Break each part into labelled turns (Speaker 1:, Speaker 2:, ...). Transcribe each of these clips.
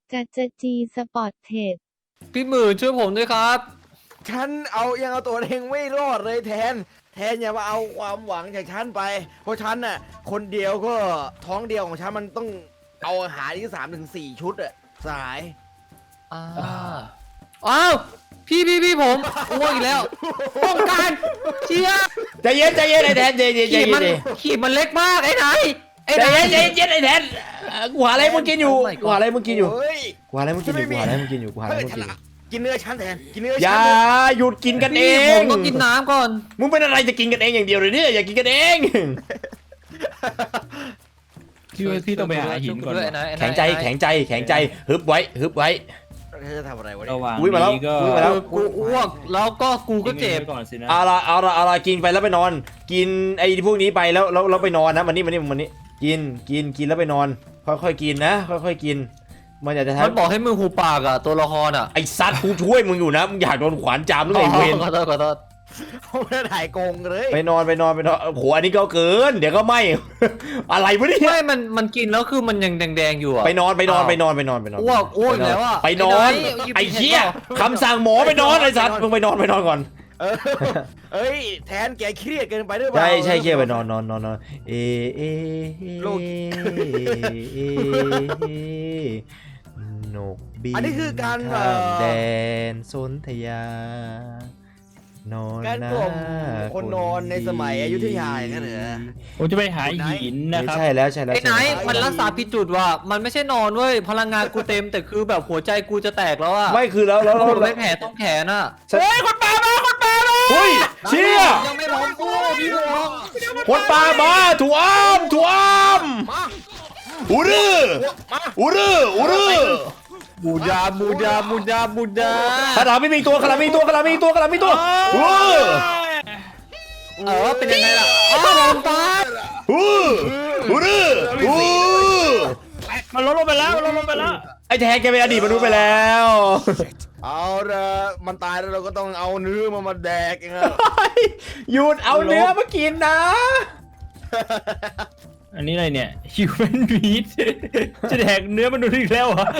Speaker 1: จะจีสปอร์ตเทรด
Speaker 2: พี่หมื่นช่วยผมด้วยครับ
Speaker 3: ฉันยังเอาตัวเองไม่รอดเลยแทนอย่ามาเอาความหวังจากฉันไปเพราะฉันน่ะคนเดียวก็ท้องเดียวของฉันมันต้องเอาอาหารที่3 ถึง 4 ชุดอะสาย
Speaker 2: อ้าวพี่ผมอ้วกอีกแล้วป้องกันเชียร์
Speaker 4: ใจเย็นไอ้แทนใจเย็น
Speaker 2: ขีดมันเล็กมากไอ้ไหน
Speaker 4: ใจเย็นไอ้แทนกูหาอะไรมึงกินอยู่กูหาอะไรมึงกินอยู่
Speaker 3: เฮ้ย
Speaker 4: กูหาอะไรมึงกินอยู่กูหาอะไรมึงกินอยู่กูหาอะไร
Speaker 3: เฮ้ย
Speaker 4: มึง
Speaker 3: ฉั
Speaker 4: กิ
Speaker 3: น
Speaker 4: นอยู่
Speaker 3: กินเนื้อฉันแทนกินเนื้อ
Speaker 4: อ
Speaker 3: ฉั
Speaker 4: ย่าน หยุดกินกันเอ
Speaker 2: พี่ผ
Speaker 4: ง
Speaker 2: มต้องกินน้ำก่อน
Speaker 4: มึงเป็นอะไรจะกินกันเองอย่างเดียวเลยเนี่ยอย่ากินกันเอง
Speaker 5: พี่ต้องไปหาหินก่อน
Speaker 2: ด้วย
Speaker 5: ว่ะ
Speaker 4: แข็งใจฮึบไว้
Speaker 3: เธอจะทำอะไรวะ
Speaker 5: ระ
Speaker 3: เนี่ย
Speaker 5: หว่าง
Speaker 4: อุ๊ยมาแล้ว
Speaker 5: นี้ก็
Speaker 4: อุ๊ยมาแล้ว
Speaker 2: กูอ้วกแล้วก็กูก็เจ็บ
Speaker 5: ทิ้งไว้ก่อนสินะ
Speaker 4: เอาละกินไปแล้วไปนอน กินไอ้พวกนี้ไปแล้วไปนอนนะมันนี่กินแล้วไปนอนค่อยๆกินนะค่อยๆกินมันอยากจะ
Speaker 2: มัน
Speaker 4: ทำ
Speaker 2: บอกให้มึงหูปากอ่ะตัวละครอ่ะ
Speaker 4: ไอ้ซัดกูช่วยมึงอยู่นะมึงอยากโดนขวานจามหรือไงเวร
Speaker 2: ขอโทษ
Speaker 3: เขาไม่ได้ถ่ายโกงเลย
Speaker 4: ไปนอนโอ้โหอันนี้ก็เกินเดี๋ยวก็ไม่ อะไรวะเนี่ย
Speaker 2: ไม่มันกินแล้วคือมันยังแดงๆอยู่อ่ะ
Speaker 4: ไปนอน
Speaker 2: อ้วกอีกแล้วอ่ะ
Speaker 4: ไปนอนไอ้เหี้ยคำสั่งหมอไปนอนไอ้สัตว์มึงไปนอนก่อน
Speaker 3: เอ้ยแทนแกเครียดเกินไปด้วยเปล่า
Speaker 4: ใช่เครียดไปนอนเอโลกนกบิน
Speaker 3: อันนี้คือการ
Speaker 4: ข้ามแดนสนธยานอน
Speaker 3: การกล่อมคนนอนในสมัยอยุธยาอย่างนั้นเหรอ
Speaker 5: ผมจะไปหาหินนะครับ
Speaker 4: ใช่แล้ว
Speaker 2: ไอ้ไหนมันรักษาผิดจุดว่ะมันไม่ใช่นอนเว้ยพลังงานกูเต็มแต่คือแบบหัวใจกูจะแตกแล้วอ่ะ
Speaker 4: ไม่คือแล้ว
Speaker 2: กูไม่แผลต้องแขนอ่ะ
Speaker 4: เฮ้ยคนป่ามาเฮ้ยเชี่ย
Speaker 2: ยังไม่พร้อมกูพี่พร้อม
Speaker 4: คนป่ามาถูอ้อมอูรือ
Speaker 2: บูดา
Speaker 4: ขนาดไม่มีตัว
Speaker 2: เป็นยังไงล่ะผมตาย
Speaker 4: อูรือ
Speaker 5: มันลดลงไปแล้ว
Speaker 4: ไอ้แทนแกเป็นอดีตมนุษย์ไปแล้ว
Speaker 3: เอาละมันตายแล้วเราก็ต้องเอาเนื้อมาแดกเองอะ
Speaker 4: หยุดเอาเนื้อมากินนะ
Speaker 5: อันนี้อะไรเนี่ย human meat จะแดกเนื้อมันดูอีกแล้วเหรอ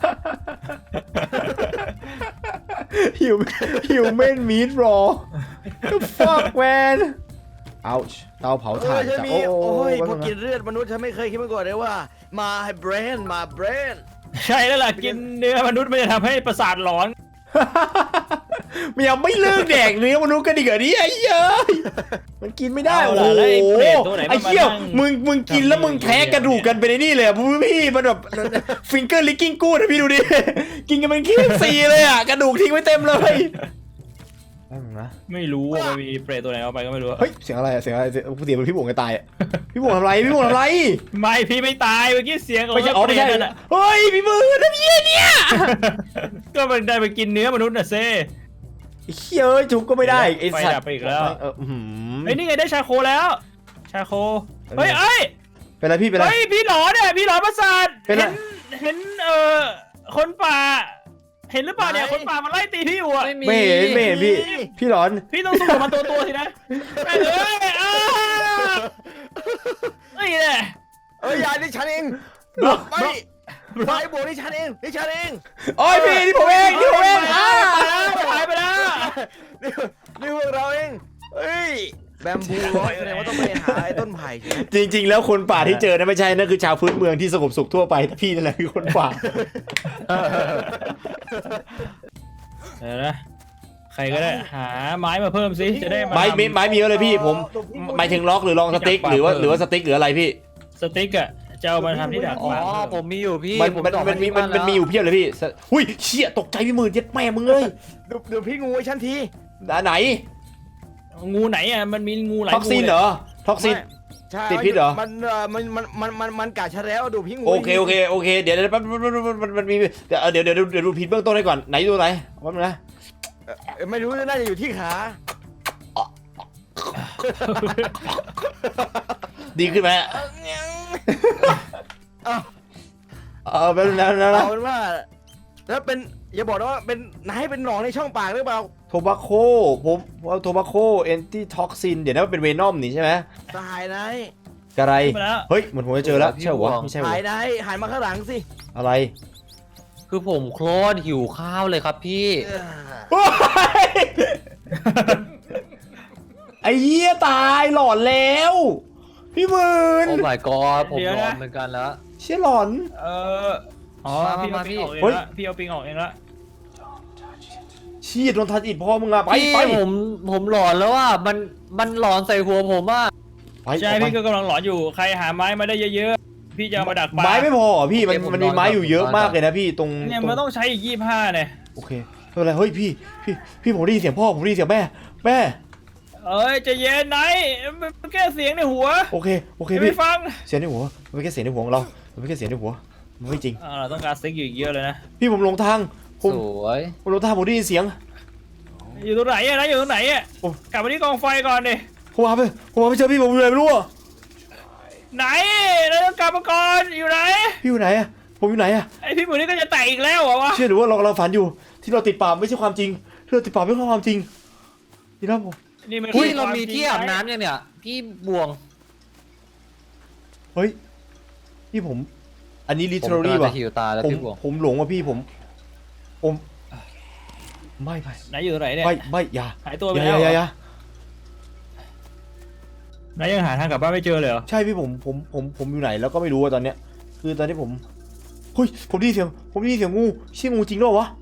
Speaker 4: human meat raw the fuck man ouch เตาเผาถ่าน
Speaker 3: ฉันมี
Speaker 4: โอ้
Speaker 3: โอ้ย
Speaker 4: ย
Speaker 3: พอกินเลือดมนุษย์ฉันไม่เคยคิดมาก่อนเลยว่ามาเบรน
Speaker 5: ใช่แล้วล่ะกินเนื้อมนุษย์มันจะทำให้ประสาทหลอน
Speaker 4: มันยังไม่เลิกแดกเนื้อมนุษย์กันอีกเหรอเนี่ยไอ้เหี้ยมันกินไม่ได้
Speaker 5: เอา
Speaker 4: โอ้
Speaker 5: ล่ะ
Speaker 4: โห
Speaker 5: แล้วไอ้เปรตตัวไหน
Speaker 4: ไอ้
Speaker 5: มันมา
Speaker 4: เหี้ย
Speaker 5: นั่ง
Speaker 4: มึงกินแล้วมึงแท้กระดูกกันไปในนี่เลยอะพี่มันแบบฟิงเกอร์ลิกกิ้งกูนะพี่ดูดิกินกันเป็นขี้ซีเลยอะกระดูกทิ้งไว้เต็มเลยนะ
Speaker 5: ไม่รู้ว่ามันมีเปรตตัวไหนเอาไปก็ไม่รู้
Speaker 4: เฮ้ยเสียงอะไรเสียงมันพี่บวงจะตายอะพี่บวงทำอะไร
Speaker 5: ไม่พี่ไม่ตายเมื่อกี้เสียงของ
Speaker 4: ไม่ใช่ไม่ใช่
Speaker 5: เปรตนั่นน่ะ
Speaker 4: เฮ้ยพี่มือทำเหี้ยเนี่ย
Speaker 5: ก็มันได้ไปกินเนื้อมนุษย์น่ะเซ่
Speaker 4: ไอ้เหี้ยเอ้ยถูกก็ไม่ได้ไอ้สัต
Speaker 5: ไฟดับ
Speaker 4: ว์
Speaker 5: ไปอีกแล้ว
Speaker 4: ไอ้
Speaker 5: นี่ไงได้ชาโคแล้ว ชาโคเฮ้ย
Speaker 4: เป็นไรพี่เป็นไร
Speaker 5: เฮ้ยพี่หลอนเนี่ยพี่หลอนประสาท
Speaker 4: เป็นไร
Speaker 5: เห็นคนป่า เห็นหรือเปล่าเนี่ยคนป่ามันไล่ตีพี่อยู่อะ
Speaker 4: ไม่เห็นพี่หลอน
Speaker 5: พี่ต้องสู้กับมันตัวสินะเอ้ยนี่แหละ
Speaker 3: เอ้ยยายนี่ฉันเองไม่บวกนี่ฉันเอง
Speaker 4: โอ้ยพี่นี่ผมเอง
Speaker 5: หายไปแล้ว
Speaker 3: นี่พวกเราเองเฮ้ยแบมบูร้อยแสดงว่าต้องไปหาไอ้ต้นไผ่ใช่ไหม
Speaker 4: จริงๆแล้วคนป่าที่เจอนะไม่ใช่นั่นคือชาวพื้นเมืองที่สงบสุขทั่วไปแต่พี่นั่นแหละคือคนป่า
Speaker 5: เดี๋ยวนะใครก็ได้หาไม้มาเพิ่มสิจะได้มา
Speaker 4: ไม้มีเยอะเลยพี่ผมหมายถึงล็อกหรือลองสติ๊กหรือว่าสติ๊กหรืออะไรพี่
Speaker 5: สติ๊กอะจะเอามาทำที่ดัก
Speaker 2: อ๋อผมมีอยู่พี่
Speaker 4: มันมีอยู่เพียบเลยพี่หุ้ยเชี่ยตกใจพี่มือเย็ดแม่มึงเลย
Speaker 3: ดูพี่งูไอ้ฉันที
Speaker 4: ไหน
Speaker 5: งูไหนอะมันมีงูหลาย
Speaker 4: ท็อกซินเหรอท็อกซิน
Speaker 3: ใช่
Speaker 4: ติดพิษเหรอ
Speaker 3: มันกัดฉันแล้วดูพี่งู
Speaker 4: โอเคเดี๋ยวมันมีเดี๋ยวดูพิษเบื้องต้นให้ก่อนไหนดูไหนว่ามันนะ
Speaker 3: ไม่รู้น่าจะอยู่ที่ขา
Speaker 4: ดีขึ้นไหมเป็นแล้ว
Speaker 3: เอาเป็นว่าแล้วเป็นอย่าบอกนะว่าเป็นนายเป็นหนองในช่องปากหรือเปล่า
Speaker 4: โทบาโคผมว่าโทบาโคแอนตี้ท็อกซินเดี๋ยวนั้นเป็นเวนอมนี่ใช่ไหม
Speaker 3: ตายนาย
Speaker 4: อะไรเฮ้ยเหมือนผมจะเจอแล้วใช่หรอไม่ใช่หรอ
Speaker 3: หายนายหันมาข้างหลังสิ
Speaker 4: อะไร
Speaker 2: คือผมโคตรหิวข้าวเลยครับพี่
Speaker 4: โอ๊ยไอ้เหี้ยตายหลอนแล้ว พี่หมื่น
Speaker 2: โอ้ my god ผม
Speaker 5: เดี๋ยว
Speaker 2: ร้อ
Speaker 5: นะ
Speaker 2: นเหมือนกันแล้ว
Speaker 4: เชี่ยหลอน
Speaker 5: อ๋อ
Speaker 2: มา
Speaker 5: พี่เอา
Speaker 2: มา
Speaker 5: ปิงออกเอง
Speaker 4: เฮ้ย
Speaker 5: ละพี่เอาปิงออกเองละ
Speaker 4: เชี่ยโดนทัดอิดพ่อมึงอะไป
Speaker 2: พี่
Speaker 4: ไป
Speaker 2: ผมหลอนแล้วว่ามันหลอนใส่หัวผมว่า
Speaker 4: ไป
Speaker 5: ใช่
Speaker 4: ออกไป
Speaker 5: พี่ก็กำลังหลอนอยู่ใครหาไม้มาได้เยอะๆพี่จะเอามาดักปลา
Speaker 4: ไม้ไม่พอเหรอพี่มันมีไม้อยู่เยอะมากเลยนะพี่ตรง
Speaker 5: เนี่ย
Speaker 4: ตรง
Speaker 5: มันต้องใช้อีก25เนี่ย
Speaker 4: โอเคไม่เป็นไรเฮ้ยพี่ผมได้ยินเสียงพ่อผมได้ยินเสียงแม่
Speaker 5: เอ้ยใจะเย็นไหนมันแค่เสียงในหัว
Speaker 4: โอเค
Speaker 5: อย่าไป
Speaker 4: พี่
Speaker 5: ฟัง
Speaker 4: เสียงในหัวมันไม่แค่เสียงในหัวของเรามันไม่แค่เสียงในหัวมันไม่จริง
Speaker 5: เราต้องการสติ๊กอยู่อีกเยอะเลยนะ
Speaker 4: พี่ผมหลงทางผ
Speaker 2: ส
Speaker 4: ม
Speaker 2: วย
Speaker 4: หลงทางผมได้ยินเสียง
Speaker 5: อยู่ตรงไหนอะนะอยู่ตรงไหนอะ
Speaker 4: โอ้
Speaker 5: กลับมาที่กองไฟก่อนดิ
Speaker 4: ผมมาไม่เจอพี่ผมอยู่ไหนไม่รู้อะ
Speaker 5: ไหนเราต้องกลับมาก่อนอยู่ไหน
Speaker 4: พี่อยู่ไหนอะผมอยู่ไหนอะ
Speaker 5: ไอพี่หมูนี่ก็จะแตกอีกแล้วเหรอวะ
Speaker 4: เชื่อหรือว่าเราฝันอยู่ที่เราติดปากไม่ใช่ความจริงที่เราติดปากไม่ใช่ความจริงนี่นะผม
Speaker 5: นี่มัน
Speaker 2: พี่
Speaker 5: คือ
Speaker 2: เรา
Speaker 5: คว
Speaker 2: มี
Speaker 5: จง
Speaker 2: ที่อาบน้ำยังเนี่ยพี่บวง
Speaker 4: เฮ้ยพี่ผมอันนี้
Speaker 2: ผม
Speaker 4: literally
Speaker 2: กำลัง
Speaker 4: ว่ะ
Speaker 2: จะหิวตายแล้ว
Speaker 4: ผม
Speaker 2: พี่บวง
Speaker 4: ผมหลงว่ะพี่ผมไม่
Speaker 5: ไหนอยู่ตรงไหนเนี่ย
Speaker 4: ไม่อย่า
Speaker 5: หายตัวไป
Speaker 4: อย่า
Speaker 5: แล้ว
Speaker 4: อย่า
Speaker 5: ไหนยังหาทางกลับบ้านไม่เจอเลยเหรอ
Speaker 4: ใช่พี่ผมอยู่ไหนแล้วก็ไม่รู้อะตอนเนี้ยคือตอนนี้ผมเฮ้ยผมได้ยินเสียงงูเชี่ยงูจริงด้วยวะ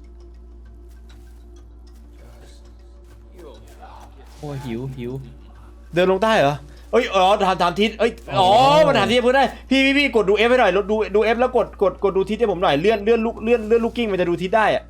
Speaker 5: โอ้ยหิว
Speaker 4: เดินลงใต้เหรอเอ้ยถามทิศเอ้ยมันถามทิศเพื่อนได้พี่กดดู F ให้หน่อยดู F แล้วกดดูทิศให้ผมหน่อยเลื่อนลูกกิ้งมันจะดูทิศได้อะ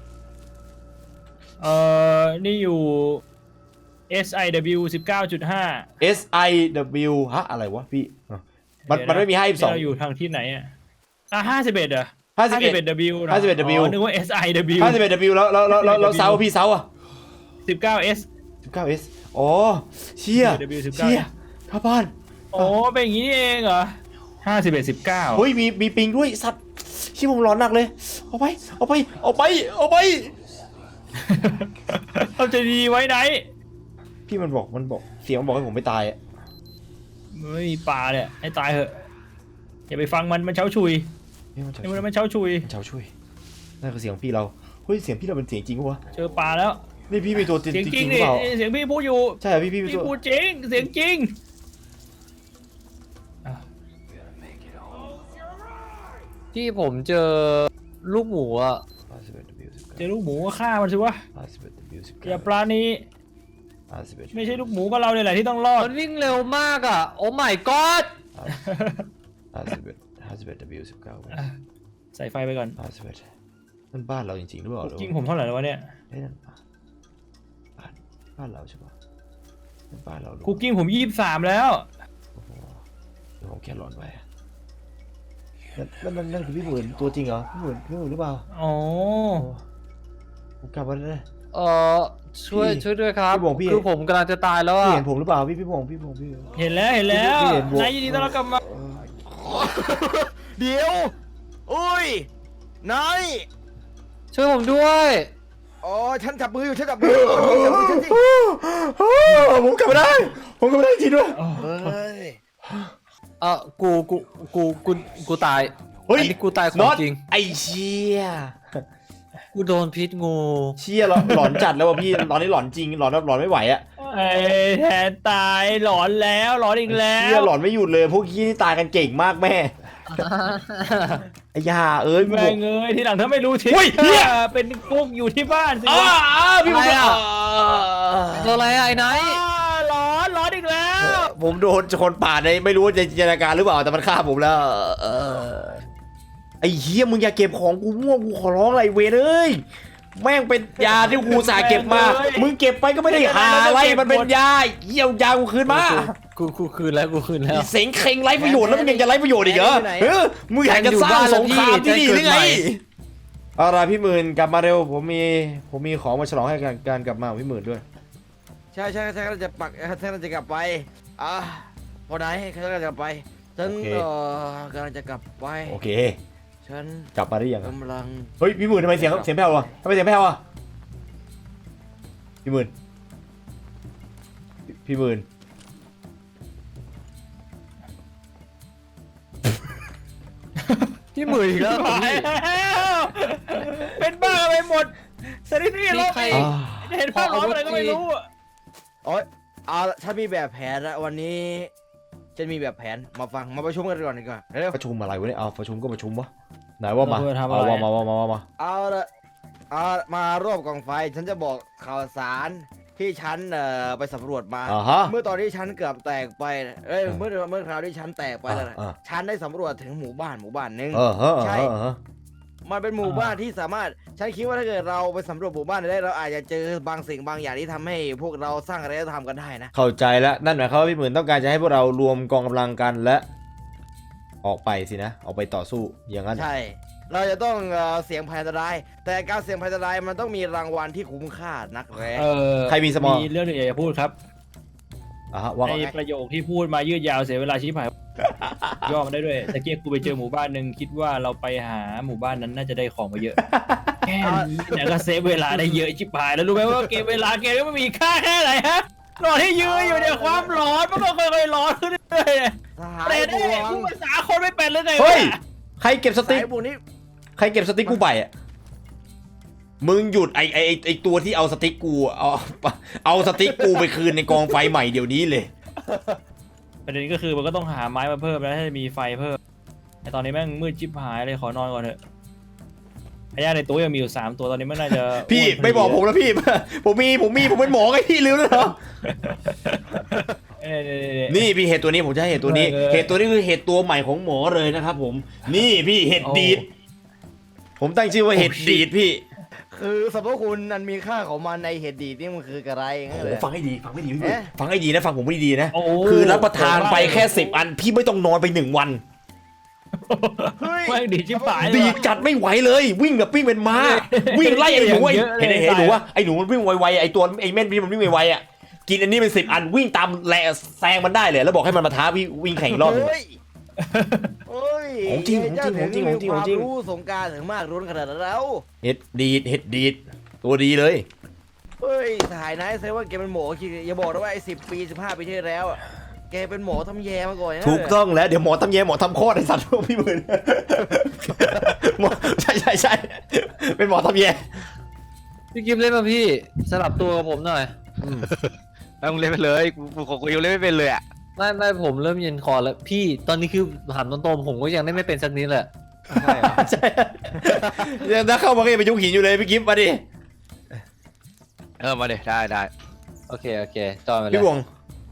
Speaker 5: นี่อยู่ SIW 19.5
Speaker 4: SIW ฮะอะไรวะพี่มันไม่มี52
Speaker 5: เราอยู่ทางที่ไหนอ่ะ51เหรอ
Speaker 4: 51
Speaker 5: 51W นะ
Speaker 4: 51W
Speaker 5: นึกว่า SIW
Speaker 4: 51W แล้วเซาพี่เซาอะ
Speaker 5: 19S
Speaker 4: 19S อ๋อเชี่ย
Speaker 5: SIW 19
Speaker 4: เชี่ยข้าบ้าน
Speaker 5: โอ้เป็นอย่างนี้นี่เองเหรอ51 19
Speaker 4: เฮ้ยมีปิงด้วยสัตว์ชี่ผมร้อนหนักเลยเอาไป
Speaker 5: เราจะดีไว้ไหน
Speaker 4: พี่มันบอกเสียงมันบอกให้ผมไม่ตายอะ
Speaker 5: ไม่มีปลาเนี่ยให้ตายเหอะอย่าไปฟังมันเช้าชุย
Speaker 4: นี่มัน
Speaker 5: นี่มันเช้าชุย
Speaker 4: เช้าช่วยนั่นคือเสียงพี่เราเฮ้ยเสียงพี่เราเป็นเสียงจริงปะวะ
Speaker 5: เจอปลาแล้ว
Speaker 4: นี่พี่มีตัวจริง
Speaker 5: เสียง
Speaker 4: จ
Speaker 5: จริ
Speaker 4: ริ
Speaker 5: ง
Speaker 4: งหรื
Speaker 5: ดิ
Speaker 4: อเปล่า
Speaker 5: เสียงพี่พูดอยู่
Speaker 4: ใช่เหรอพี่มี
Speaker 5: พี่
Speaker 4: ตัว
Speaker 5: พูดจริงเสียงจริง
Speaker 2: ที่ผมเจอลูกหมูอ่ะ
Speaker 5: เจอลูกหมูก็ฆ่ามันสิวะอย่าปลานี้ไม่ใช่ลูกหมูก็เราเนี่ยแหละที่ต้องรอด
Speaker 2: มันวิ่งเร็วมากอ่ะโอ้ my god
Speaker 5: ใส่ไฟไปก่อน
Speaker 4: นั่นบ้านเราจริงๆหรือเปล่า
Speaker 5: จริงผมเท่าไหร่แล้ววะเนี่ย
Speaker 4: นั่นบ้านเราใช่ปะนั่นบ้านเรา
Speaker 5: คุกกิ้งผม23แล้ว
Speaker 4: เดี๋ยวผมแค่หลอนไปนั่นคือพี่หมื่นตัวจริงเหรอพี่หมื่นหรือเปล่า
Speaker 5: อ๋อ
Speaker 4: ผมกลับมาแล้วนะ
Speaker 2: ช่วย
Speaker 4: พี่
Speaker 2: ช่วยด้วยครับ
Speaker 4: พี่บวงพี่
Speaker 2: คือผมกำลังจะตายแล้ว
Speaker 4: พี่
Speaker 2: อ่ะ
Speaker 4: เห็นผมหรือเปล่าพี่พงพี่
Speaker 5: เห็นแล้ว
Speaker 4: พี่เห็นบวก
Speaker 5: นายยินดีต้อนรับกลับมา
Speaker 3: เดี๋ยวอุ้ยนาย
Speaker 2: ช่วยผมด้วย
Speaker 3: อ๋อฉันจับมืออยู่ฉันจับมืออยู่จับมือฉันสิ
Speaker 4: ผมกลับมาได้จริงด้วย
Speaker 3: เฮ้ย
Speaker 2: กูตาย
Speaker 4: เฮ้ย
Speaker 2: อันนี้กูตายของ
Speaker 4: น็อต
Speaker 2: จริง
Speaker 4: ไอ้เชี่ย
Speaker 2: กูโดนพิษงู
Speaker 4: เชี่ยหลอนจัดแล้วว่ะพี่ตอนนี้หลอนจริงหลอนแบบหลอนไม่ไหวอะ
Speaker 5: ไอ้แทนตายหลอนแล้วหลอนอีกแล้
Speaker 4: เชี่ยว หลอนไม่หยุดเลยพวกขี้นี่ตายกันเก่งมากแม่ไอ้ยาเอ้ย
Speaker 5: แม่งเอ้ยทีหลังถ้าไม่รู้ทิศ
Speaker 4: เฮ้ยเหี้ย
Speaker 5: เป็นกุ๊กอยู่ที่บ้านสิ
Speaker 4: อ้าว พี่ผม
Speaker 2: อะไรอะ ตัวอะไรอะไอ้ไนท์
Speaker 5: หลอนอีกแล้ว
Speaker 4: ผมโดนคนป่าดในไม่รู้ว่าจะจินตนาการหรือเปล่าแต่มันฆ่าผมแล้วไอ้เหี้ยมึงอย่าเก็บของกูมั่วกูขอร้องอะไรเวรเอ้ยแม่งเป็นยาที่กูอุตสาห์เก็บมามึงเก็บไปก็ไม่ได้หาอะไรมันเป็นยาเยี่ยวยากูคืนมา
Speaker 2: กูคืนแล้วกูคืนแล้ว
Speaker 4: เสียงเคร่งไร้ประโยชน์แล้วมึงยังจะไร้ประโยชน์อีกเหรอมึงอยากจะสร้างสงครามที่นี่หรือไงอะไรพี่หมื่นกลับมาเร็วผมมีของมาฉลองให้การกลับมาของพี่หมื่นด้วย
Speaker 3: ใช่ฉันกำลังจะฉันกำลังจะกลับไปพอไหนฉันกำลังจะกลับไปฉันกำลังจะกลับไป
Speaker 4: โอเค
Speaker 3: ฉัน
Speaker 4: กลับมาได้ยัง
Speaker 3: กำลัง
Speaker 4: เฮ้ยพี่หมื่นทำไมเสียงแผ่ววะทำไมเสียงแผ่ววะพี่หมื่นพี่หมื่น
Speaker 2: ที่มืออีกแล้ว
Speaker 5: ไปแล้วหมดสถิติลบไปเห็นภาพร้อนอะไรก็ไม่รู้อะ
Speaker 3: โอ๊ยเอาละฉันมีแบบแผนแล้ววันนี้ฉันมีแบบแผนมาฟังมาประชุมกันก่อนดีกว่าเร็ว
Speaker 4: ประชุมอะไรวะเนี่ยเอาประชุมก็ประชุมวะไหนว่ามา
Speaker 5: เพื่อทำ
Speaker 4: เอา
Speaker 5: อะไร
Speaker 4: มา
Speaker 3: เอาละเอามารอบกองไฟฉันจะบอกข่าวสารที่ฉันไปสำรวจมา
Speaker 4: ฮะ
Speaker 3: เมื่อตอนที่ฉันเกือบแตกไปเมื่อคราวที่ฉันแตกไปแล้วนะ
Speaker 4: อ่า
Speaker 3: ฉันได้สำรวจถึงหมู่บ้านหนึ่ง ใช่ มันเป็นหมู่บ้านที่สามารถฉันคิดว่าถ้าเกิดเราไปสำรวจหมู่บ้านได้เราอาจจะเจอบางสิ่งบางอย่างที่ทำให้พวกเราสร้างอารยธรรมกันได้นะ
Speaker 4: เข้าใจแล้วนั่นหมายความว่าพี่หมื่นต้องการจะให้พวกเรารวมกองกำลังกันและออกไปสินะออกไปต่อสู้อย่างนั้น
Speaker 3: ใช่ เราจะต้องเสี่ยงภัยอันตรายแต่การเสี่ยงภัยอันตรายมันต้องมีรางวัลที่คุ้มค่านักแร้
Speaker 4: ใครมีสมอง
Speaker 5: มีเรื่องหนึงอยากจะพูดครับ
Speaker 4: ว่า
Speaker 5: ใน
Speaker 4: ไง
Speaker 5: ประโยคที่พูดมายืดยาวเสียเวลาชิบหายย่อมาได้ด้วยตะเกียบกูไปเจอหมู่บ้านหนึ่งคิดว่าเราไปหาหมู่บ้านนั้นน่าจะได้ของมาเยอะแค่นี้เนี่ยก็เซฟเวลาได้เยอะชิบหายแล้วรู้ไหมว่าเกมเวลาเกมนี้มันมีค่าแค่ไหนฮะรอที่ยืนอยู่เนี่ยความร้อนมันก็ค่อยๆร้อนขึ้นเรื่อยๆ
Speaker 3: สหา
Speaker 5: เปร
Speaker 3: ย
Speaker 5: ต
Speaker 3: บ
Speaker 5: เนี่
Speaker 3: วย ง
Speaker 5: พูดภาษาคนไม่เป็นเลยไงวะ
Speaker 4: เฮ้ยใครเก็บส
Speaker 3: สา
Speaker 4: ติ๊ก
Speaker 3: ยบวงนี้
Speaker 4: ใครเก็บสติ๊กกูไปอ่ะมึงหยุดไอตัวที่เอาสติ๊กกูเอาสติ๊กกูไปคืนในกองไฟใหม่เดี๋ยวนี้เลย
Speaker 5: ประเด็นก็คือมันก็ต้องหาไม้มาเพิ่มแล้วให้มีไฟเพิ่มแต่ตอนนี้แม่งมืดชิบหายเลยขอนอนก่อนเถอะพญาในตัวยังมีอยู่3ตัวตอนนี้มันน่าจะ
Speaker 4: พี่
Speaker 5: อ้วนพอดี
Speaker 4: ไม่บอกผมแล้วพี่ ผมเป็นหมอไงพี่ลืมแล้วเหรอ นี่พี่เห็ดตัวนี้ผมจะให้เห็ดตัวนี้ เห็ดตัวนี้คือเห็ดตัวใหม่ของหมอเลยนะครับผม นี่พี่เห็ดดีด ผมตั้งชื่อว่าเห็ดดีดพี่
Speaker 3: คือสรรพคุณนันมีค่าของมันในเห็ดดีดนี่มันคืออะไรงั้นเลย
Speaker 4: ฟังให้ดีฟังให้ดีพี่
Speaker 3: เอ๊ะ
Speaker 4: ฟังให้ดีนะฟังผมให้ดีนะ
Speaker 5: โอ้
Speaker 4: คือรับประทานไปแค่10 อันพี่ไม่ต้องนอนไป1 วัน
Speaker 3: เฮ้ย
Speaker 5: แม่งดีชิบหายเลย
Speaker 4: ดี
Speaker 5: ว่ะ
Speaker 4: จัดไม่ไหวเลย วิ่งแบบวิ่งเป็นม้า วิ่งไล่ไอ้หนู
Speaker 5: เยอะเลย
Speaker 4: เห็นหนูว่าไอ้หนูมันวิ่งไวๆไอ้ตัวไอ้เม่นพี่มันวิ่งไวๆอ่ะกินอันนี้เป็น10 อันวิ่งตามแซงมันได้เลยแล้วบอกให้มันมาท้าพี่วิ่งแข่งอีกรอบหนึง
Speaker 3: เฮ้ยเฮ้ย
Speaker 4: ของจริง
Speaker 3: เจ้า
Speaker 4: ของจริง
Speaker 3: ถึ
Speaker 4: ของจริง
Speaker 3: มีความ
Speaker 4: ของจริง
Speaker 3: รู้สงกรารถึงมากรุนขนาดนั้นแล้ว
Speaker 4: เห็ดดีดตัวดีเลย
Speaker 3: เฮ้ยสหายนายเซว่าแกเป็นหมอคิดอย่าบอกนะว่าไอ้10 ปี15 ปีที่แล้วอะแกเป็นหมอทำแยมาก่อนนะ
Speaker 4: ถูกต้องแล้วเดี๋ยวหมอทำแย่หมอทำโคตรไอ้สัตว์พวกพี่หมื่นหมอใช่เป็นหมอทำแย่
Speaker 2: พี่กิฟเล่นมาพี่สลับตัวกับผมหน่อย
Speaker 6: แล้วมึงเล่นไปเลยกูของกูยังเล่นไม่เป็นเลยอ่ะ
Speaker 2: ไม่ผมเริ่มเย็นคอแล้วพี่ตอนนี้คือถามตรงๆผมก็ยังเล่นไม่เป็นสักนิดเลย
Speaker 6: ใช่เหรอ
Speaker 4: ใช่ยังถ้าเข้ามาก็ยังไปยุคหินอยู่เลยพี่กิฟต์มาดิ
Speaker 6: มาเดี๋ยวได้
Speaker 2: โอเคจอยมาเลย
Speaker 4: พี่วง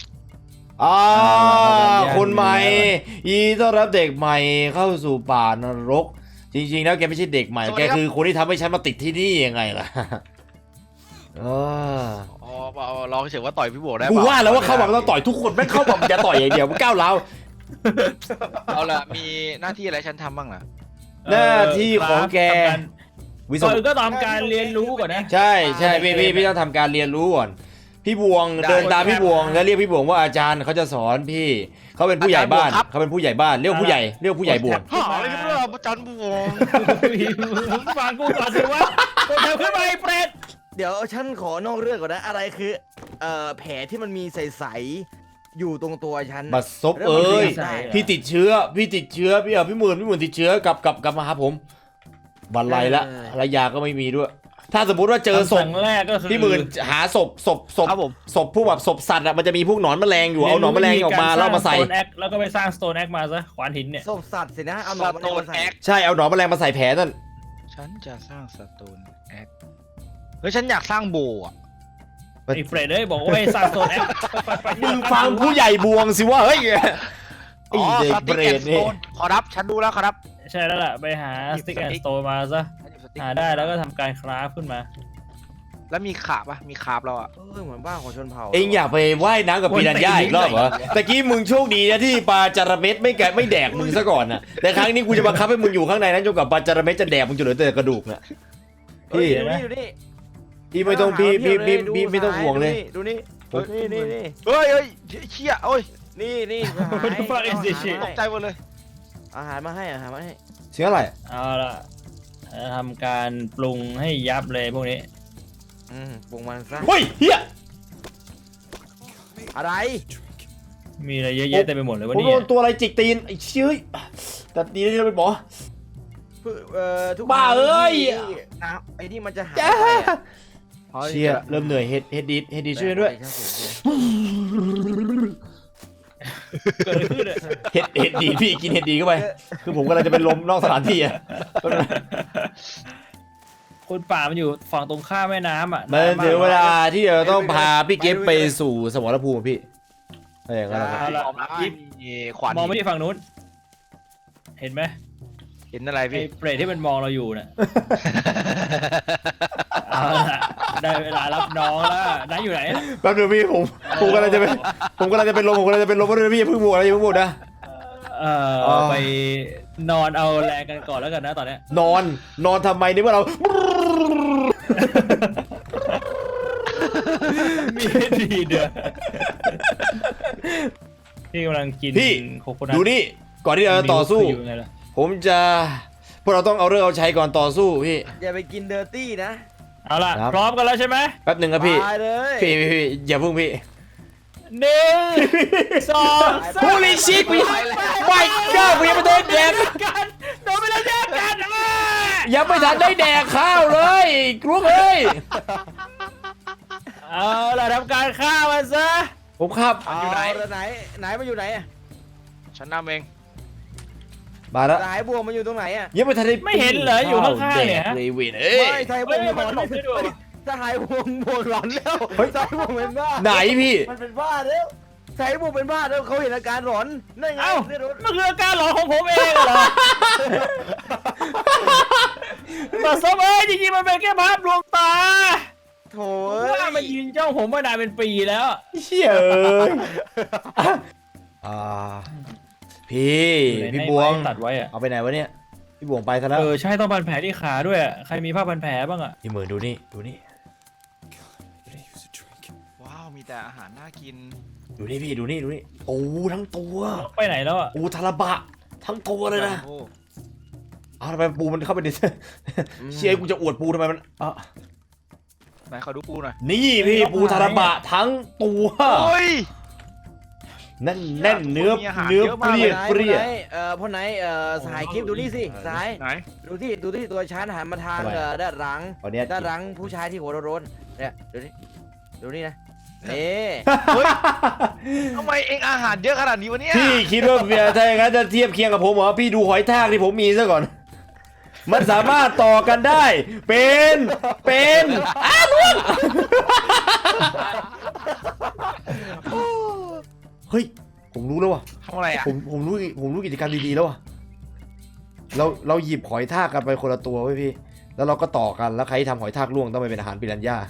Speaker 4: คนใหม่ยินดีต้อนรับเด็กใหม่เข้าสู่ป่านรก จริงๆแล้วแกไม่ใช่เด็กใหม่แกคือคนที่ทำให้ฉันมาติดที่นี่ยังไงล่ะ
Speaker 6: อ๋อลองเฉยว่าต่อยพี่บวกได้
Speaker 4: กู
Speaker 6: เปล่
Speaker 4: ว่าแล้วว่าเข้ามาต้องต่อยทุกคนไม่เข้ามาอย่าต่อยอย่างเดียวมันก้าวร้าว
Speaker 6: เอาละมีหน้าที่อะไรฉันทำบ้างล่ะ
Speaker 4: หน้าที่ของแกวิศ
Speaker 5: ก่อ
Speaker 4: วน
Speaker 5: ก็ตามการเรียนรู้ก่อนนะ
Speaker 4: ใช่พี่ต้องทำการเรียนรู้ก่อนพี่บวงเดินตามพี่บวงแล้วเรียกพี่บวงว่าอาจารย์เขาจะสอนพี่เขาเป็นผู้ใหญ่บ้านเขาเป็นผู้ใหญ่บ้านเรียกผู้ใหญ่บวง
Speaker 6: ฮ่าอะไรกันเนี่ยอาจารย์บวง
Speaker 5: ฟังกูก่อนสิวะตัวแถวขึ้นมาไอ้เปรต
Speaker 3: เดี๋ยวฉันขอนอกเรื่องก่อนนะอะไรคือแผลที่มันมีใสๆอยู่ตรงตัวฉัน
Speaker 4: บัดซบเอ้ย
Speaker 3: ได้
Speaker 4: พี่ติดเชื้อพี่หมื่นติดเชื้อกลับมาหาผมบันไลละภรรยาก็ไม่มีด้วย ถ้าสมมุติว่าเจอศพ
Speaker 5: ครั้งแรกก็คือ
Speaker 4: พี่หมื่นหาศพ
Speaker 6: ครับผม
Speaker 4: พวกแบบศพสัตว์อะมันจะมีพวกหนอนแมลงอยู่เอาหนอนแมลงออกมาแล้วเอามาใส่
Speaker 5: แล้วก็ไปสร้างสโตนแอคมาซะขวานหินเนี่ย
Speaker 3: ศพสัตว์สินะเอาหนอนมา
Speaker 6: สโตน
Speaker 3: ใส่
Speaker 6: แอค
Speaker 4: ใช่เอาหนอนแมลงมาใส่แผลนั่น
Speaker 6: ฉันจะสร้างสโตนแอคเฮ้ยฉันอยากสร้างโบอ่ะ
Speaker 5: ไอ้เฟรดเอ้ยบอกว่าให้สร้างสโตนแอค
Speaker 4: มึงฟังผู้ใหญ่บวงสิว่าเฮ้ยไอ้
Speaker 6: อ๋อ
Speaker 4: เด็ก
Speaker 6: ส
Speaker 4: เบ
Speaker 6: ติ๊ก
Speaker 4: ร
Speaker 6: แอน
Speaker 4: ด
Speaker 6: ด์ส
Speaker 4: นี่
Speaker 6: โตนขอรับฉันดูแล้วขอรับ
Speaker 5: ใช่แล้วล่ะไปหาสติ๊กแอนด์สโตนมาซะหาได้แล้วก็ทำการคราฟขึ้นมา
Speaker 6: แล้วมีขาบปะมีขาบเราอ่ะ
Speaker 3: เหมือนบ้านของชนเผ่า
Speaker 4: เอ็งอยากไปว่ายน้ำกับปีนันย่าอีกรอบเหรอตะกี้มึงโชคดีนะที่ปลาจาระเม็ดไม่แดกมึงซะก่อนนะแต่ครั้งนี้กูจะบังคับให้มึงอยู่ข้างในนั้นจนกว่าปลาจาระเม็ดจะแดกมึงจนเหลือแต่กระดูกนะ
Speaker 3: เฮ้ย
Speaker 4: พี่
Speaker 3: ดูนี่
Speaker 4: พี่ไม่ต้องพี่ไม่ต้องห่วงเลย
Speaker 3: ดูนี่นี่
Speaker 6: เฮ้ยเชี่ยโอ้ย
Speaker 3: นี่
Speaker 5: What the fuck is this shit?
Speaker 6: ตกใจหมดเลย
Speaker 3: อาหารมาให้
Speaker 4: เชื่ออะไร
Speaker 5: เอาล่ะจะทำการปรุงให้ยับเลยพวกนี้
Speaker 3: ปรุงมันซะ
Speaker 4: เฮ้ยเฮีย
Speaker 3: อะไร
Speaker 5: มีอะไรเยอะแยะเต็มไปหมดเลยวัน
Speaker 4: ผม
Speaker 5: นี้
Speaker 4: โดนตัวอะไรจิกตีนไอ้เชื่อแต่ดีที่เราเป็นหมอ
Speaker 3: ทุก
Speaker 4: บ้าเอ้ย
Speaker 3: น้ำไอ้นี่มันจะหาย
Speaker 4: จ้า
Speaker 3: ไปอะ
Speaker 4: เชี่ยเริ่มเหนื่อยเฮดดีช่วยด้วย
Speaker 5: เกิดอะไรขึ้นอะ
Speaker 4: เห็ดดีพี่กินเห็ดดีเข้าไป คือผมกำลังจะเป็นลมนอกสถานที่อ่ะ
Speaker 5: คนป่ามันอยู่ฝั่งตรงข้ามแม่น้ำอ่ะ
Speaker 4: มันถึงเวลาที่เราต้องพาพี่เก็บไปสู่สมรภูมิพี่อะไรอย่างเงี้ยนะครับ
Speaker 5: เอาละ
Speaker 6: ออกมาขวาน
Speaker 5: มองไม่ที่ฝั่งนู้น เห็นไหม
Speaker 6: เห็นอะไร
Speaker 5: ไอ้
Speaker 6: พี่
Speaker 5: เปรตที่มันมองเราอยู่น่ะ เอาละได้เวลารับน้องแล้วน้าอยู่ไหน
Speaker 4: แป๊บนึงพี่ผมกำลังจะเป็นผมกำลังจะเป็นลมก็เลยพี่อย่าเพิ่งบวกอะไรอย่าเพิ่งบวกนะ
Speaker 5: ไปนอนเอาแรงกันก่อนแล้วกันนะตอนเนี้ย
Speaker 4: นอนทำไมเนี่ยเมื่อเรา
Speaker 5: มีดีเดือพี่กำลังกิน
Speaker 4: พี่
Speaker 5: โคโคนัท
Speaker 4: ดูนี่ก่อนที่เราจะต่อสู้
Speaker 5: อยู่ไงล่ะ
Speaker 4: ผมจะพวกเราต้องเอาเรื่องเอาใช้ก่อนต่อสู้พี่
Speaker 3: อย่าไปกินเดอร์ตี้นะ
Speaker 5: เอาล่ะ
Speaker 4: ครับ
Speaker 5: พร้อมกันแล้วใช่ไหม
Speaker 4: แป๊บหนึ่งครับพี่
Speaker 3: ตายเลย
Speaker 4: พี่อย่าเพิ่งพี่
Speaker 5: หนึ่งสองสาม
Speaker 4: Holy shit ไม่ก็กูยังไม่ได้แดก
Speaker 5: กันโดนไปแล้วแยกกันอ่ะ
Speaker 4: ยังไม่ทันได้แดกข้าวเลยกรุ๊ปเอ้ย
Speaker 5: เอาล่ะทำการฆ่ามันซะ
Speaker 4: ผมครับ
Speaker 3: อยู่ไหนไหนมันอยู่ไหนอะ
Speaker 6: ฉันนำเอง
Speaker 4: มาแล้ว
Speaker 3: สายบวงมันอยู่ตรงไหนอะ
Speaker 4: ยังไม่ทันได้
Speaker 5: ไม่เห็นเหรออยู่ข้างๆเนี่ย
Speaker 4: แดกเลยเวนเอ้ย
Speaker 3: ไม่สายบว
Speaker 5: เฮ้
Speaker 3: ง
Speaker 5: ย
Speaker 3: อยู่
Speaker 5: มันหลบได้ด้วยวะ
Speaker 3: สายบวงบวงหลอนแล้ว
Speaker 4: เฮ้ย
Speaker 3: สายบวงเป็นบ้า
Speaker 4: ไหนพี่
Speaker 3: มันเป็นบ้าแล้วสายบวงเป็นบ้าแล้วเขาเห็นอาการหลอนนั่นไง
Speaker 5: เอ้า
Speaker 3: เนี่ยโดน
Speaker 5: มันคืออาการหลอนของผมเองเหรอมาซบเอ้ยจริงๆมันเป็นแค่ภาพลวงตา
Speaker 3: โถ
Speaker 5: ว่ามันยืนจ้องผมมานานเป็นปีแล้ว
Speaker 4: เชี่ยเอ้ยอ่าพี่บวง
Speaker 5: ตัดไว้อะ
Speaker 4: เอาไปไหนวะเนี่ยพี่บวงไปซะแล้ว
Speaker 5: ใช่ต้องพันแผลที่ขาด้วยอะใครมีผ้าพันแผลบ้างอะ
Speaker 4: พี่เหมือนดูนี่
Speaker 6: ว้าวมีแต่อาหารน่ากิน
Speaker 4: ดูนี่พี่ดูนี่โอ้ทั้งตัว
Speaker 5: ไปไหนแล้วอะ
Speaker 4: โอ้ทาราบะทั้งตัวเลยนะ
Speaker 6: โอ้
Speaker 4: อ้าวทำไมปูมันเข้าไปใน เชี่ยกูจะอวดปูทำไมมันอ่ะ
Speaker 6: ไหนขอดูปูหน่อย
Speaker 4: นี่พี่ปูทาราบะทั้งตัว
Speaker 6: โอ้ย
Speaker 4: แน่นเนื้อ
Speaker 6: มีอาหาร
Speaker 4: เนื้อ
Speaker 6: เยอะ
Speaker 4: เป
Speaker 6: มาก
Speaker 4: รี้ย
Speaker 3: พ่อ
Speaker 4: เปรี้ย
Speaker 3: ไหนพ่อไหนสายคลิปดูนี่สิสาย
Speaker 6: ไหน
Speaker 3: ดูที่ตัวฉันหันมาทาง
Speaker 4: ทำไม
Speaker 3: ด้านหลัง
Speaker 4: ตอนเนี้ย
Speaker 3: ด้านหลังผู้ชายที่หัวโรนๆเนี่ยดูนี่นะนี่
Speaker 6: เฮ้ยทำไมเองอาหารเยอะขนาดนี้วะเนี่ย
Speaker 4: พี่คิดว่าถ้าอย่างนั้นจะเทียบเคียงกับผมเหรอพี่ดูหอยทากที่ผมมีซะก่อน มันสามารถต่อกันได้ เป็นอ้าวล่วงเฮ้ยผมรู้แล้วว่ะ
Speaker 6: ทำอะไรอ่ะ
Speaker 4: ผมรู้กิจกรรมดีๆแล้วว่ะเราหยิบหอยทากกันไปคนละตัวไว้ยพี่ แล้วเราก็ต่อกันแล้วใครที่ทำหอยทากล่วงต้องไปเป็นอาหารปิรันย่า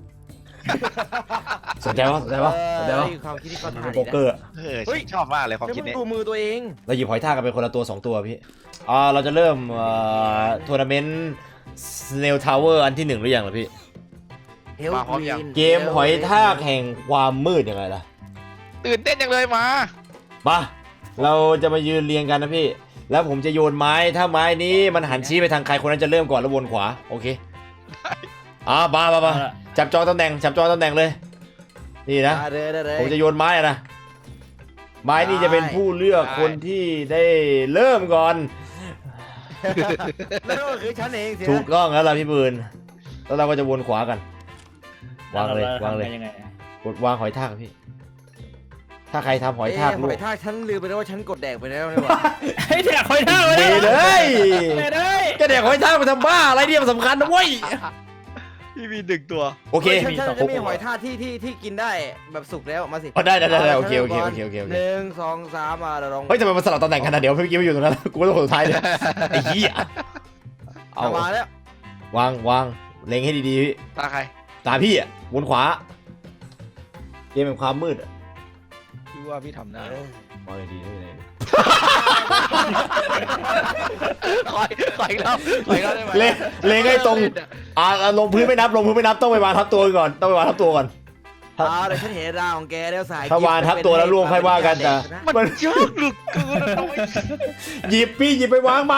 Speaker 4: สนใจปะ
Speaker 3: ความคิดที่เขา
Speaker 4: เป็
Speaker 3: ถ่าน ย
Speaker 4: โป๊กเกอร์อะ
Speaker 6: ฉันชอบมากเลยความ
Speaker 3: แล้ว
Speaker 6: คิด
Speaker 3: มึง
Speaker 6: นี้
Speaker 3: ดูมือตัวเอง
Speaker 4: เราหยิบหอยทากกันไปคนละตัว2ตัวพี่เราจะเริ่มทัวร์นาเมนต์สเนลทาวเวอร์อันที่1หรือยังล่ะพี่
Speaker 3: เฮลกรีน
Speaker 4: เกมหอยทากแห่งความมืดยังไงล่ะ
Speaker 6: ตื่นเต้นจังเลยมา
Speaker 4: มาเราจะมายืนเรียงกันนะพี่ แล้วผมจะโยนไม้ถ้าไม้นี้มันหันชี้ไปทางใครคนนั้นจะเริ่มก่อนแล้ววนขวาโอเคมาจับจองตำแหน่งเลยนี่นะ
Speaker 3: ได้เลย
Speaker 4: ผมจะโยนไม้อะนะไม้นี่จะเป็นผู้เลือกคนที่ได้เริ่มก่อน
Speaker 3: แล้วก็คือฉันเองสิ
Speaker 4: ถูกต้องแล้วล่ะพี่ปืนแล้วเราก็จะวนขวากัน วางเลย
Speaker 5: ทำกันยังไงอะ
Speaker 4: กดวางหอยทากพี่ ถ้าใครทำหอยทาก
Speaker 3: ห
Speaker 4: ลู
Speaker 3: อก ยทากฉันลืมไปแล้วว่าฉันกดแดกไปแล้วนี่หว่า
Speaker 5: เฮ้ยแดกหอยทาก
Speaker 4: เดเลย
Speaker 5: เลย
Speaker 4: ก็เด็กหอยทากไปทำบ้าอะไรเนี่ยมันสำคัญนะเว้ย
Speaker 6: พี่มี1ตัว
Speaker 4: โอเค
Speaker 3: ฉันจะมีหอยทากที่กินได้แบบสุกแล้วมาสิ
Speaker 4: ได้โอเค
Speaker 3: 1 2 3มาเราลอง
Speaker 4: เฮ้ยทำไมมันสลับตำแหน่งกันนะเดี๋ยวพี่กิ๊ฟไม่อยู่ตรงนั้นกูต้องคนสุดท้ายเลยไอ้เหี้ยเอา
Speaker 3: มาแล้ว
Speaker 4: วางเล็งให้ดีๆพี่
Speaker 6: ตาใคร
Speaker 4: ตามพี่อ่ะวนขวาเกมเป็นความมืดอ่ะ
Speaker 6: พี่ว่าพี่ทำได้
Speaker 4: มองดีๆเลย
Speaker 6: ขอยแล้วได้ไหม
Speaker 4: เล็งให้ตรงลงพื้นไม่นับต้องไปวางทับตัวก่อนเ
Speaker 3: ดี๋ยวฉันเห็นราวของแกแล้วสาย
Speaker 4: ถ้าวางทับตัวแล้วล่วงค่อยว่ากันแต่
Speaker 6: มันเยอะเหลือเกินอะต้อง
Speaker 4: หยิบไปวางไหม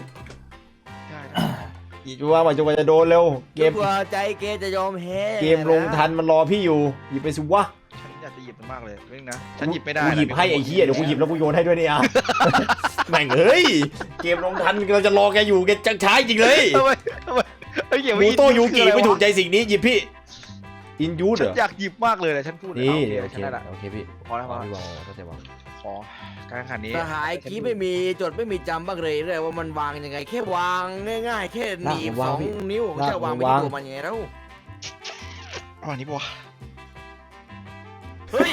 Speaker 4: หยิบไปวางไหมจนกว่าจะโดนเร็วเกม
Speaker 3: กลัวใจแกจะยอมแพ้
Speaker 4: ลงทันมันรอพี่อยู่หยิบไปสิวะ
Speaker 6: ฉันอยอยากจะหยิบมันมากเลยนี่นะฉันหยิบไม่ได้
Speaker 4: กูหยิบให้ไอ้เหี้ยเดี๋ยวกูหยิบแล้วกูโยนให้ด้วยเนี่ยอ่ะ แม่งเอ้ยเกมลงทันเราจะรอแกอยู่แกจังช้าจริงเลย
Speaker 6: ทำไมเอ้ยเก็บ
Speaker 4: ห
Speaker 6: ไว้
Speaker 4: มูโตยูกิ
Speaker 6: คืออะร
Speaker 4: ไม่
Speaker 6: วะ
Speaker 4: ถูกใจสิ่งนี้หยิบพี่อินยูด
Speaker 6: ฉั
Speaker 4: เหร
Speaker 6: น
Speaker 4: อ
Speaker 6: อยากหยิบมากเลยนะฉันพูด
Speaker 4: นี่
Speaker 6: โอ
Speaker 4: โอ
Speaker 6: เค
Speaker 4: เค
Speaker 6: ได้ละ
Speaker 4: โอเคพี่
Speaker 6: พอแล้วพอ
Speaker 4: พี่วางเข้าใจวาง
Speaker 6: ขอการแข่งขันนี้
Speaker 3: สหายกี้ไม่มีจดไม่มีจำบ้างเลยว่ามันวางยังไงแค่วางง่ายๆแค่หนีบ2 นิ้วแค่วางไปที่ตัวมันยังไงแล้ว
Speaker 6: อ๋อนี่ปะ
Speaker 3: เฮ้ย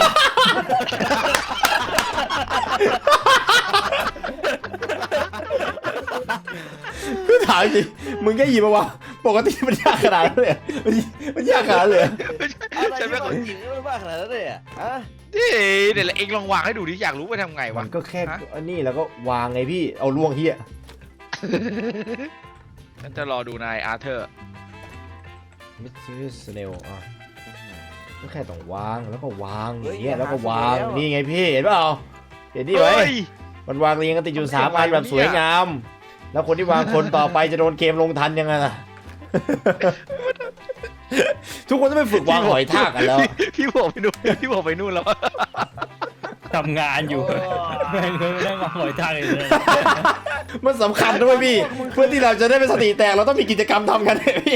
Speaker 4: ก็ถามจริงมึงแค่หยิบมาวางปกติมันยากขนาดนั้นเลยเหรอมันยากขนาดนั้นเลยเหรอ
Speaker 3: อะไรที่มันหญิงไม่บ้าขนาดนั้นเลยอ่ะฮะ
Speaker 6: นี่เดี๋ยวเองลองวางให้ดูดิอยากรู้ว่าทำไงวะ
Speaker 4: มันก็แค่
Speaker 6: ฮะ
Speaker 4: อันนี้แล้วก็วางไงพี่เอาล่วงเฮีย
Speaker 6: ฉันจะรอดูนายอาร์เธอร์
Speaker 4: มิสซิสเนลอ่ะก็แค่ต้องวางแล้วก็วางอย่างเงี้ยแล้วก็วางนี่ไงพี่เห็นเปล่าเห็นนี่ไหม
Speaker 6: เฮ้ย
Speaker 4: มันวางเรียงกันติดอยู่3 อันแบบสวยงาม แล้วคนที่วางคนต่อไปจะโดนเกมลงทันยังไงล่ะ ทุกคนต้องไปฝึกวางหอยทากกันแล้ว
Speaker 6: พี่บอกไปนู่นพี่บอกไปนู่นแล้ว
Speaker 5: ทำงานอยู่แม่งเคยนั่งมาหอยทางเลย
Speaker 4: มันสำคัญด้วยพี่ เพื่อที่เราจะได้เป็นสติแตกเราต้องมีกิจกรรมทำกันเนี่ยพี่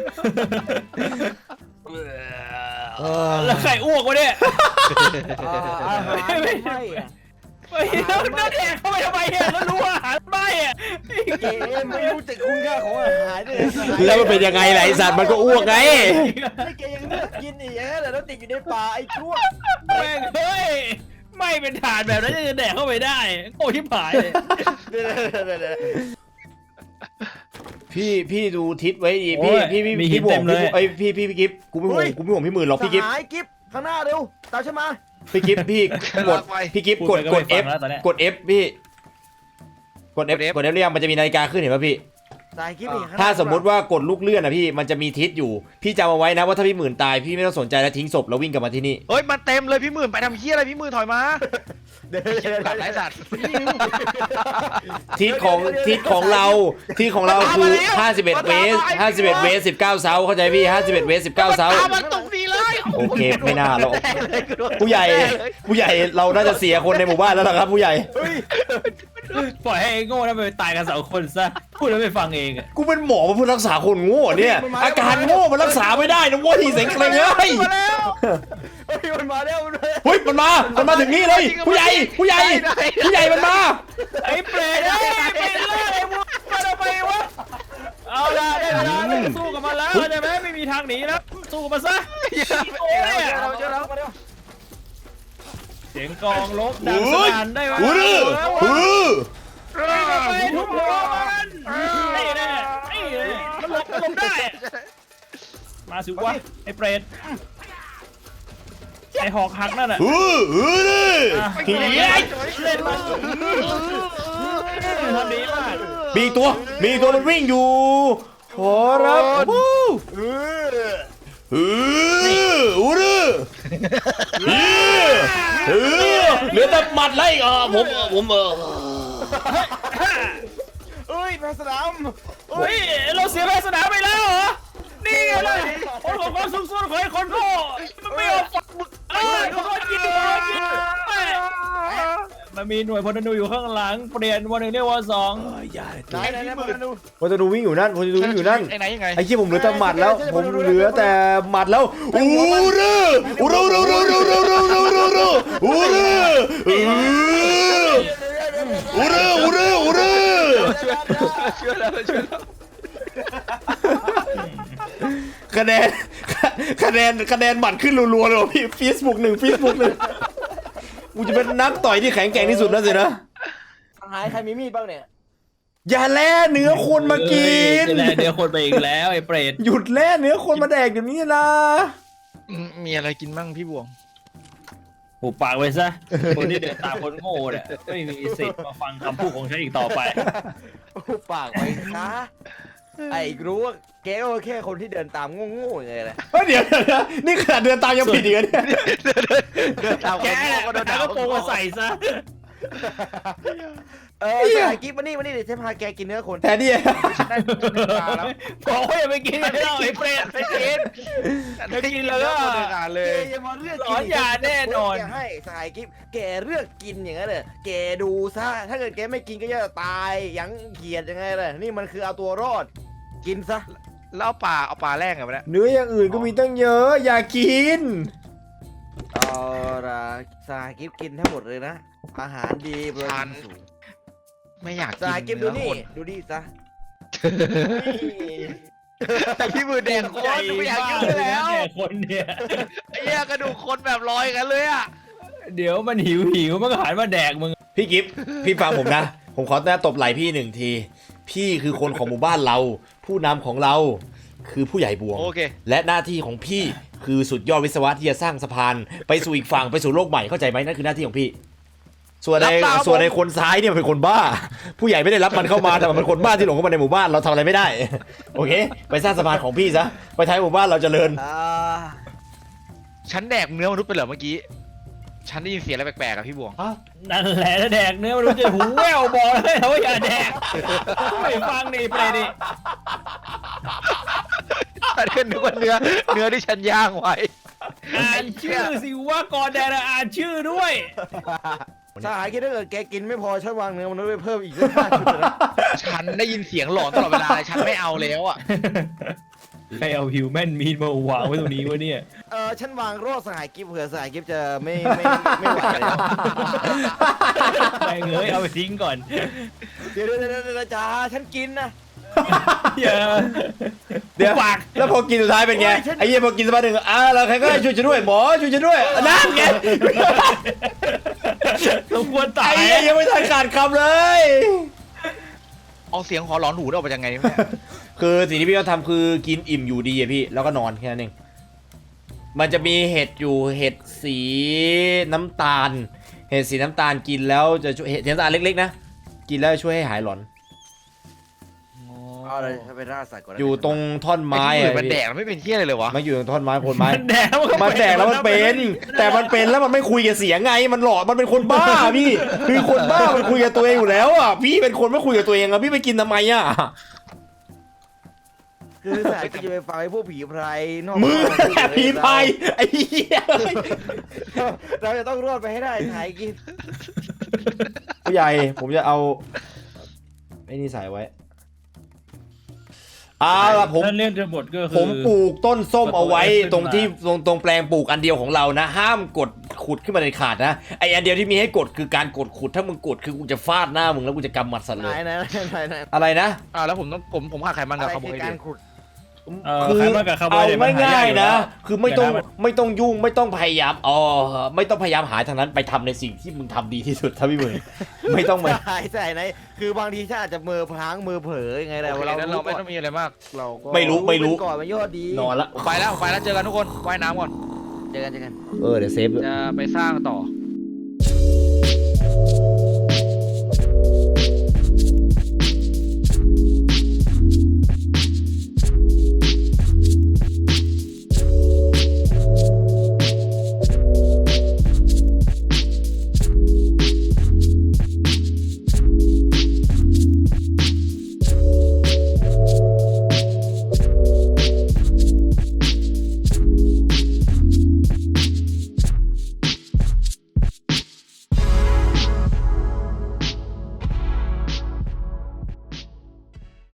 Speaker 5: แล้วใครอ้วกวะเนี่ย
Speaker 3: อาหารไม่อะ
Speaker 5: เฮ้ยแล้วนั่นแดกเข้าไปทำไมอ่ะแล้วรู้ว่าอาหารไม่อ่ะ
Speaker 3: เกมไม่รู้จักคุณค่าของอาหารเลย
Speaker 4: แล้วมันเป็นยังไงล่ะไอสัตว์มันก็อ้วกไง
Speaker 3: ไม่เกยังเลือกกินอีกอย่างนั้นแหละแล้วติดอยู่ในป่าไอ้ชั่ว
Speaker 5: แม่งเฮ้ยไม่เป็นฐานแบบนั้นจะแดกเข้าไปได้โง่ที่ผายเลย
Speaker 4: พี่ดูทิศไว้ดีพี่บวกพี่กิฟกูไม่ห่วงพี่หมื่นหรอกพี่กิฟ
Speaker 3: สหายกิฟข้างหน้าเร็วตามฉันมา
Speaker 4: พี่กิฟพี่กดพี่กิฟกด F กด F พี่กด F กด F เรียงมันจะมีนาฬิกาขึ้นเห็นป่ะพี่
Speaker 3: สหายกิฟอีกข้งหน้
Speaker 4: ถ้าสมมุติว่ากดลูกเลื่อนนะพี่มันจะมีทิศอยู่พี่จำเอาไว้นะว่าถ้าพี่หมื่นตายพี่ไม่ต้องสนใจแล้วทิ้งศพแล้ววิ่งกลับมาที่นี่
Speaker 6: เฮ้ยมันเต็มเลยพี่หมื่นไปทำเฮี้ยอะไรพี่หมื่นถอยมา
Speaker 3: เดี๋ยว
Speaker 6: หลับไรสัตว์
Speaker 4: ทิศของเราคือ51 เวส51 เวส19 เซาเข้าใจพี่51 เวส19 เซา
Speaker 6: ตามมันตรงนี้เลย
Speaker 4: โอเคไม่น่าหรอกผู้ใหญ่เราน่าจะเสียคนในหมู่บ้านแล้วล่ะครับผู้ใหญ่
Speaker 5: ปล่อยให้ไอ้โง่นั่นไปตายกัน2 คนซะพูดแล้วไม่ฟังเองอ่ะ
Speaker 4: กูเป็นหมอมาพูดรักษาคนโง่เนี่ยอาการโง่มันรักษาไม่ได้นะเว้ยเสียงเคร่งเลย
Speaker 3: มันมาแล้วมันมาแล้ว
Speaker 4: เฮ้ยมันมาถึงนี่เลยผู้ใหญ่มันมา
Speaker 5: ไอ้เปรตไอ้ไปเลยไอ้พวกมันเอาไปวะเอาละได้เวลาไม่สู้กับมันแล้วใช่ไหมไม่มีทางหนีแล้วสู้กับมันซะโอ้ย
Speaker 3: เจอแล้วมาเร็ว
Speaker 5: เสียงกลองลบดังสนั่นได้ไหม ไปทุบหัวมันนี่แน่นี่แน่มันหลบได้มาสิวะไอ้เปรตไอ้หอกหักนั่นน่ะเล่นมาทำดีมาก
Speaker 4: มีตัวมันวิ่งอยู่ขอรับเหลือแต่หมัดไล่ผม
Speaker 3: เอ้ยแพสนาม
Speaker 5: เฮ้ยเราเสียแพ้สนามไปแล้วเหรอนี่ไงเลยคนของความสุ่มส่วนของไอ้คนโง่มันไม่ยอมฝักมึกเขายิงมันมีหน่วยพลธนูอยู่ข้างหลังเปลี่ยนวัน 1เรียกว่า2
Speaker 3: ไหนมาดู
Speaker 4: พอจะดูวิ่งอยู่นั่น
Speaker 6: ไอ้ไหนยังไง
Speaker 4: ไอ้ที่ผมเหลือแต่หมัดแล้วผมเหลือแต่หมัดแล้วอูรึคะแนนหมัดขึ้นรัวๆเลยพี่Facebook 1กูจะเป็นนักต่อยที่แข็งแกร่งที่สุดแล้วสินะ
Speaker 3: หายใครมีมีดบ้างเนี่ย
Speaker 4: อย่าแล่เนื้อคนมากิน
Speaker 5: แล่เนื้อคนไปอีกแล้วไอ้เปรต
Speaker 4: หยุดแล่เนื้อคนมาแดกเดี๋ยวนี้นะ
Speaker 6: มีอะไรกินบ้างพี่บวง
Speaker 5: หูปากไว้ซะคนที่เดินตามคนโง่เนี่ยไม่มีสิทธิ์มาฟังคำพูดของฉันอีกต่อไป
Speaker 3: ปากไว้นะไอ้รู้ว่าแกก็แค่คนที่เดินตามโง่ๆไงแหละ
Speaker 4: เดี๋ยวนี่ขนาดเดินตามยังผิดอีกเนี่ย
Speaker 6: เดินตาม
Speaker 5: แกเนี่ยก็โดนโกงมาใส่ซะ
Speaker 3: สหายกิ๊บมานี่เดี๋ยวฉันพาแกกินเนื้อคน
Speaker 4: แทนที่
Speaker 6: ฉันได้ตัวหนึ่งมาแล้ว
Speaker 5: บอกว่าอย่าไปกินกันแล้วไอ้เปรต
Speaker 6: ไม่กิน
Speaker 5: ไม่กินแล้วก็
Speaker 6: ตัวหนึ่งอ่ะเล
Speaker 3: แก
Speaker 6: ย
Speaker 3: อย่ามาเลือก
Speaker 5: หลอนยาแน่นอน
Speaker 3: แกให้สหายกิ๊บแกเลือกกินอย่างนั้นเลยแกดูซะถ้าเกิดแกไม่กินก็จะตายยังเกียดยังไงเลยนี่มันคือเอาตัวรอด กินซะ
Speaker 6: แล้วเอาปลาแรกไงวะเนี่ย
Speaker 4: เนื้ออย่างอื่นก็มีตั้งเยอะ อย่ากิน
Speaker 3: เอาละสหายกิ๊บกินทั้งหมดเลยนะอาหารดีโปรตีนสูง
Speaker 6: ไม่อยาก
Speaker 3: สหาย
Speaker 6: กิ
Speaker 3: กิ๊บ
Speaker 6: น
Speaker 3: ดู
Speaker 6: เนื้อ
Speaker 3: นี่
Speaker 6: คน
Speaker 3: ดูนี่ซะ
Speaker 6: แต่พี่มือแดงโคตรไม่อยากกินเลยแล้ว
Speaker 5: เนี่ยคนเนี่ย
Speaker 6: ไอ้เหี้ยกระดูกคนแบบลอยกันเลยอ่ะ
Speaker 5: เดี๋ยวมันหิวมันก็หันมาแดกมึง
Speaker 4: พี่กิฟต์พี่ฟังผมนะ ผมขอตบไหล่พี่หนึ่งที พี่คือคนของหมู่บ้านเรา ผู้นำของเราคือผู้ใหญ่บวง
Speaker 6: โอเค
Speaker 4: และหน้าที่ของพี่คือสุดยอดวิศวะที่จะสร้างสะพานไปสู่อีกฝั่งไปสู่โลกใหม่เข้าใจไหมนั่นคือหน้าที่ของพี่ ส่วนใน
Speaker 6: รับตาม
Speaker 4: ส่วนในคนซ้ายเนี่ยเป็นคนบ้า ผู้ใหญ่ไม่ได้รับมันเข้ามาแต่มันเป็นคนบ้าที่หลงเข้ามาในหมู่บ้านเราทำอะไรไม่ได้ โอเค ไปสร้างสะพานของพี่ซะไปท้ายหมู่บ้านเราเจริญ
Speaker 6: ฉันแดกเนื้อมนุษย์ไปเหรอเมื่อกี้ ฉันได้ยินเสียงอะไรแปลกๆอะพี่บวง
Speaker 5: นั่นแหละถ้าแดกเนื้อมันรู้จะหูแว่วบอกเลยนะว่าอย่าแดกไม่ฟังนี่เปรตนี่
Speaker 6: ฉันก็นึกว่าเนื้อที่ฉันย่างไว้
Speaker 5: อ่านชื่อสิว่าก่อนแดกอ่านชื่อด้วย
Speaker 3: สหายกิ๊บถ้าเกิดแกกินไม่พอฉันวางเนื้อมันษย์ไปเพิ่มอีกสัก5 ชุดนะ
Speaker 6: ฉันได้ยินเสียงหลอนตลอดเวลาเลยฉันไม่เอาแล้วอ่ะ
Speaker 5: ใครเอาฮิวแมนมีดมาวางไว้ตรงนี้วะเนี่ย
Speaker 3: ฉันวางรอดสหายกิ๊บเผื่อสหายกิ๊บจะไม่ไหวแล้ว
Speaker 5: ไม่เงยเอาไปทิ้งก่อน
Speaker 3: เดี๋ยวจ้าฉันกินนะ
Speaker 5: อย่า
Speaker 4: เดี๋ยว
Speaker 5: ปาก
Speaker 4: แล้วพอกินสุดท้ายเป็นไง
Speaker 3: โอ้ยฉัน
Speaker 4: ไอ้เหี้ยพอกินสักพักหนึ่งแล้วใครก็ได้ช่วยฉันด้วยหมอช่วยฉันด้วยนั่นไง
Speaker 5: สมควรตา
Speaker 4: ไอ้
Speaker 5: ย
Speaker 4: เหี้ยยังไม่ทันขาดคำเลย
Speaker 6: เอาเสียงหอหลอนหูได้ออกมายังไงเนี่ย
Speaker 4: คือสิ่งที่พี่ต้องทำคือกินอิ่มอยู่ดีอะพี่แล้วก็นอนแค่นั้นเองมันจะมีเห็ดอยู่เห็ดสีน้ำตาล เห็ดสีน้ำตาลกินแล้วจะช่วยเห็ดสีน้ำตาลเล็กๆนะกินแล้วช่วยให้หายหลอน
Speaker 3: เอาเลยไปล่าสัตว์ก่อนนะ
Speaker 4: อยู่ตรงท่อน
Speaker 6: ไม้
Speaker 4: ไม้
Speaker 6: อะ
Speaker 4: อะ
Speaker 6: มันแดกไม่เป็นเที่ยอะไรเลยวะ
Speaker 4: มันอยู่ตรงท่อนไม้โคนไม้
Speaker 5: มันแดกมันก็
Speaker 4: มันแดกแล้วมันเป็น แต่มันเป็นแล้วมันไม่คุยกับเสียงไงมันหลอกมันเป็นคนบ้าพี่คือคนบ้ามันคุยกับตัวเองอยู่แล้วอ่ะพี่เป็นคนไม่คุยกับตัวเองอ่ะพี่ไปกินทำไมอ่ะ
Speaker 3: คือสหายกิ๊บจะไปฟังไอ้พวกผีไพรนอก
Speaker 4: มึงแค่ผีพายไอ้เหี้ย
Speaker 3: เราจะต้องรอดไปให้ได้สหายกิ๊บ
Speaker 4: ผู้ใหญ่ผมจะเอาไอ้นี่ใส่ไว้ล่ะผม
Speaker 5: นั่นเรื่องทั้งหมดก็คือ
Speaker 4: ผมปลูกต้นส้มเอาไว้
Speaker 5: ขึ้นมา
Speaker 4: ตรงที่ตรงแปลงปลูกอันเดียวของเรานะ ห้ามกดขุดขึ้นมาในขาดนะไออันเดียวที่มีให้กดคือการกดขุดถ้ามึงกดคือกูจะฟาดหน้ามึงแล้วกูจะกำหมัดสัตว์
Speaker 3: ไห
Speaker 4: เล
Speaker 3: น
Speaker 4: ย
Speaker 3: ไหนไหน
Speaker 4: อะไรนะ
Speaker 6: แล้วผมขาดไขมัน
Speaker 3: อะ
Speaker 6: กับ
Speaker 3: ไร
Speaker 6: คาร์โบ
Speaker 3: คื
Speaker 6: ไฮ
Speaker 3: อ
Speaker 6: เดร
Speaker 3: การ
Speaker 6: ต
Speaker 3: ขุด
Speaker 4: คือ
Speaker 5: ใครมากับคาร์โบ
Speaker 4: เอา
Speaker 5: ไฮเดรตมันห
Speaker 4: ง่าย
Speaker 5: อ
Speaker 4: ๆนะ
Speaker 5: แล้ว
Speaker 4: คือไม่ต้องยุ่งไม่ต้องพยายามไม่ต้องพยายามหาทางนั้นไปทำในสิ่งที่มึงทำดีที่สุดถ้าพี่มึงไม่ต้องมา
Speaker 3: ใช่ไหนคือบางทีฉันอาจจะมือพลางมือเผลอยังไงแหละ
Speaker 6: โอเคงั้นเราไม่ต้องมีอะไรมาก
Speaker 3: เราก็
Speaker 4: ไม่รู้
Speaker 3: ก่อนมันยอดดี
Speaker 4: นอนละ
Speaker 6: ผมไปแล้วเจอกันทุกคนว่ายน้ำก่อน
Speaker 3: เจอกัน
Speaker 4: เดี๋ยวเซฟ
Speaker 6: จะไปสร้างต่อ